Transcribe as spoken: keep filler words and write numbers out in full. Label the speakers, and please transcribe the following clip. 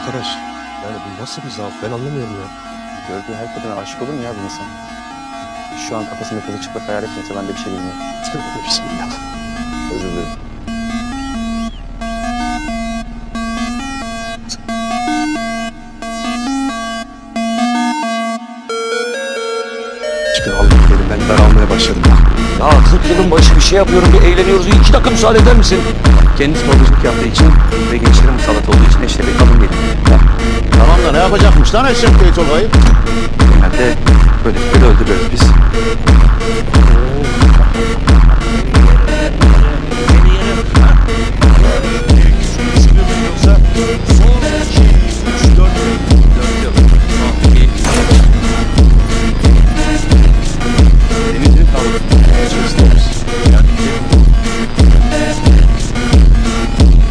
Speaker 1: Arkadaş, yani bu nasıl bir zaaf ben anlamıyorum ya.
Speaker 2: Gördüğü her kadına aşık olur mu ya bir insan? Şu an kafasında kızı çıplak hayal etmese ben de bir şey bilmiyorum.
Speaker 1: Tövbe bismillah.
Speaker 2: Özür dilerim.
Speaker 1: Çıkın aldım dedim, ben daralmaya başladım.
Speaker 3: Ya kırk yılın başı bir şey yapıyorum, bir eğleniyoruz. İki dakika müsaade eder misin?
Speaker 2: Kendisi babacılık yaptığı için ve gençlerin musallat olduğu için eşle bir kadın değil.
Speaker 4: Tamam da ne yapacakmış lan Eşref Bey Tolga'yı?
Speaker 2: Genelde böyle böyle öldürüyoruz biz.